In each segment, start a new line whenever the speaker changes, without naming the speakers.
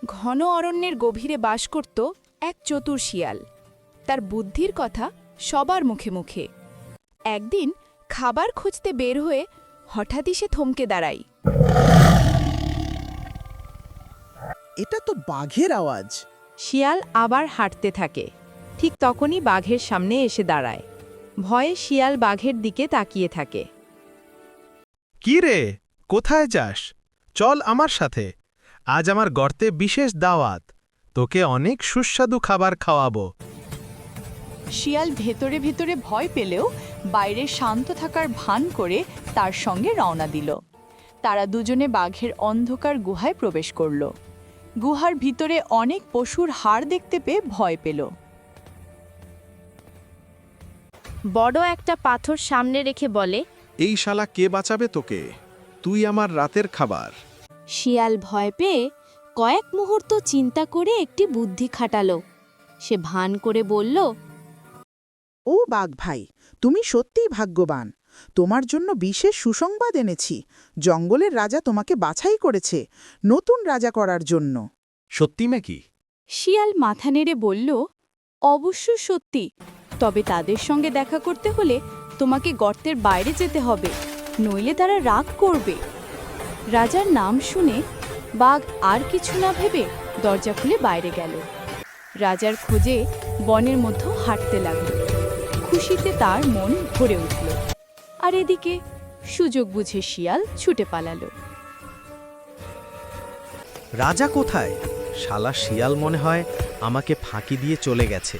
ঘন অরণ্যের গভীরে বাস করত এক চতুর শিয়াল। তার বুদ্ধির কথা সবার মুখে মুখে। একদিন খাবার খুঁজতে বের হয়ে হঠাৎই সে থমকে দাঁড়ায়।
এটা তো বাঘের আওয়াজ।
শিয়াল আবার হাঁটতে থাকে। ঠিক তখনই বাঘের সামনে এসে দাঁড়ায়। ভয়ে শিয়াল বাঘের দিকে তাকিয়ে থাকে।
কি রে, কোথায় যাস? চল আমার সাথে। আজ আমার গর্তে বিশেষ দাওয়াত। তোকে অনেক সুস্বাদু খাবার খাওয়াবো।
শিয়াল ভেতরে ভেতরে ভয় পেলেও বাইরে শান্ত থাকার ভান করে তার সঙ্গে রওনা দিল। তারা দুজনে বাঘের অন্ধকার গুহায় প্রবেশ করল। গুহার ভিতরে অনেক পশুর হাড় দেখতে পেয়ে ভয় পেল।
বড় একটা পাথর সামনে রেখে বলে,
এই শালা কে বাঁচাবে তোকে? তুই আমার রাতের খাবার।
শিয়াল ভয় পেয়ে কয়েক মুহূর্ত চিন্তা করে একটি বুদ্ধি খাটালো। সে ভান করে বলল,
ও বাঘ ভাই, তুমি সত্যিই ভাগ্যবান। তোমার জন্য বিশেষ সুসংবাদ এনেছি। জঙ্গলের রাজা তোমাকে বাছাই করেছে নতুন রাজা করার জন্য।
সত্যি নাকি?
শিয়াল মাথা নেড়ে বলল, অবশ্য সত্যি, তবে তাদের সঙ্গে দেখা করতে হলে তোমাকে গর্তের বাইরে যেতে হবে, নইলে তারা রাগ করবে। রাজার নাম শুনে বাঘ আর কিছু না ভেবে দরজা খুলে বাইরে গেল। রাজার খোঁজে বনের মধ্যে হাঁটতে লাগল। খুশিতে তার মন ভরে উঠল। আর এদিকে সুযোগ বুঝে শিয়াল ছুটে পালালো।
রাজা কোথায়? শালা শিয়াল মনে হয় আমাকে ফাঁকি দিয়ে চলে গেছে।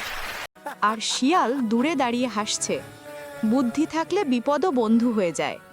আর শিয়াল দূরে দাঁড়িয়ে হাসছে। বুদ্ধি থাকলে বিপদও বন্ধু হয়ে যায়।